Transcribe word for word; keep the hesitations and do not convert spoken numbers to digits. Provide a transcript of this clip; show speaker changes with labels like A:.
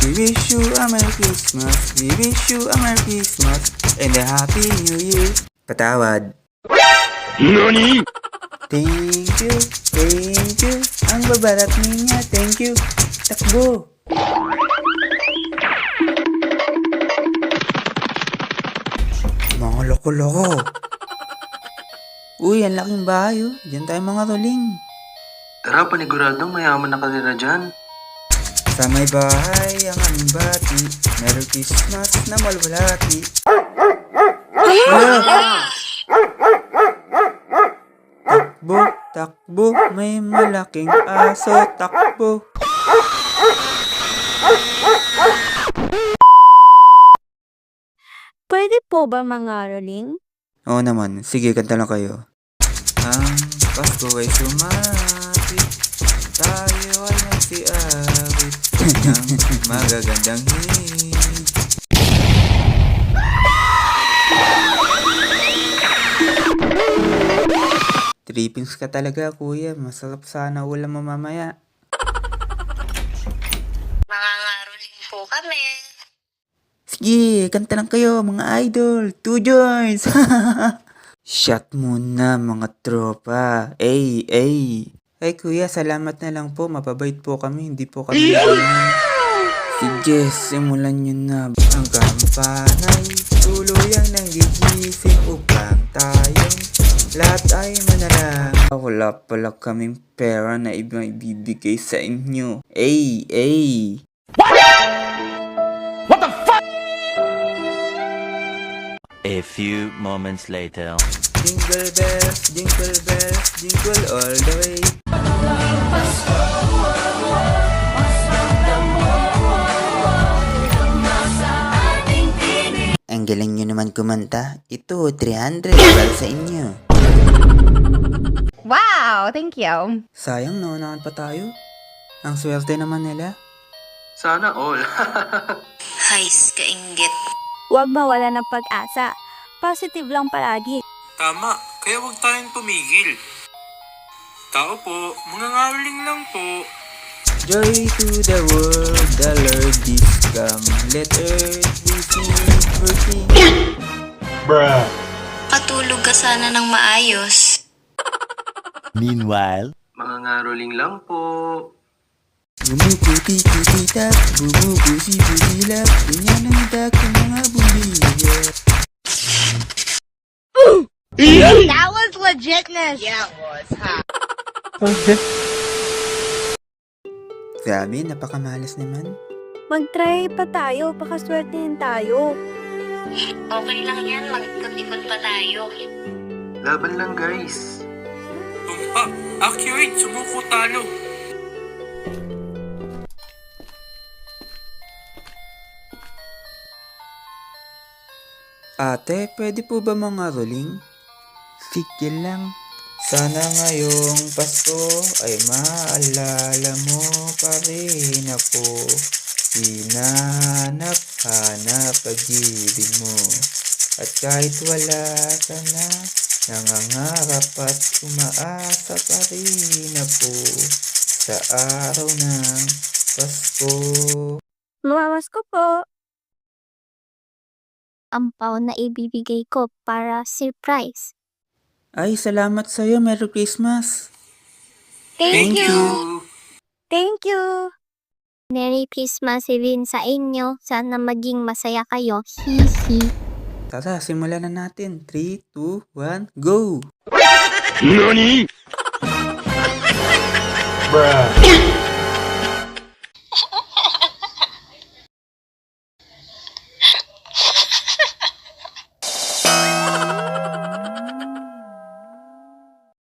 A: We wish you a Merry Christmas. We wish you a Merry Christmas and a Happy New Year. Patawad.
B: NANI?!
A: Thank you, thank you. Ang babarat niya, thank you. Takbo. Mga loko-loko. Uy, ang laking bahay oh. Diyan tayo mga tuling.
C: Tara, paniguradong mayaman na kanila dyan.
A: Sa may bahay ang aming bati. Merry Christmas na malwalati. Ah! Takbo, takbo, may malaking aso. Takbo.
D: Pwede po ba mangaroling?
A: Oo naman, sige, kanta lang kayo. Ang Pasko ay sumapit, tayo ay nagsiawit ng magagandang hit. Trippings ka talaga, kuya. Masarap sana ulam mo mamaya.
D: Mangangaroling po kami.
A: Sige, kanta lang kayo, mga idol. Two joints. Shot muna, mga tropa. Ay, ay. Ay, kuya, salamat na lang po. Mapabait po kami. Hindi po kami. Sige, simulan nyo na. Ang kampanay, tuluyang nanggigising upang tayong lahat ay manalang. Wala pala kaming pera na ibang ibibigay sa inyo. Ay, ay.
B: A few moments later.
A: Jingle bells, jingle bells, jingle all the way. Ang galing nyo naman kumanta. Ito, three hundred para sa inyo.
E: Wow, thank you.
A: Sayang, naunahan pa tayo. Ang swerte naman nila.
C: Sana all.
D: Hays, kainggit. Huwag mawala ng pag-asa. Positive lang palagi.
F: Tama, kaya huwag tayong tumigil. Tao po, mga ngaroling lang po.
A: Joy to the world, the Lord is come. Let earth receive mercy.
B: Bruh.
D: Patulog ka sana ng maayos.
B: Meanwhile.
C: Mga ngaroling lang po.
A: Bumubuti-kuti-tap, bumubusi-busilap, ganyan ang itak ng mga bumbilya.
E: That was legitness. Yeah, it was, huh?
A: Sabi, napakamalas naman.
D: Mag-try pa tayo, pakaswertein tayo.
G: Okay lang yan, mag-ikot-ikot pa tayo.
C: Laban lang, guys.
F: Tumpak, accurate, sumuko talo.
A: Ate, pwede po ba mga roling? Sige lang. Sana ngayong Pasko ay maalala mo pa rin ako. Hinanap-hanap pag-ibig mo. At kahit wala ka na, nangangarap at umaasa pa rin ako sa araw ng Pasko.
D: Lumawas ko po. Ampaw na ibibigay ko para surprise.
A: Ay, salamat sa'yo. Merry Christmas.
D: Thank,
C: Thank
D: you.
C: you.
D: Thank you. Merry Christmas din sa inyo. Sana maging masaya kayo. Hihi.
A: Tara, simulan na natin. three, two, one, go!
B: NANI?! Bruh.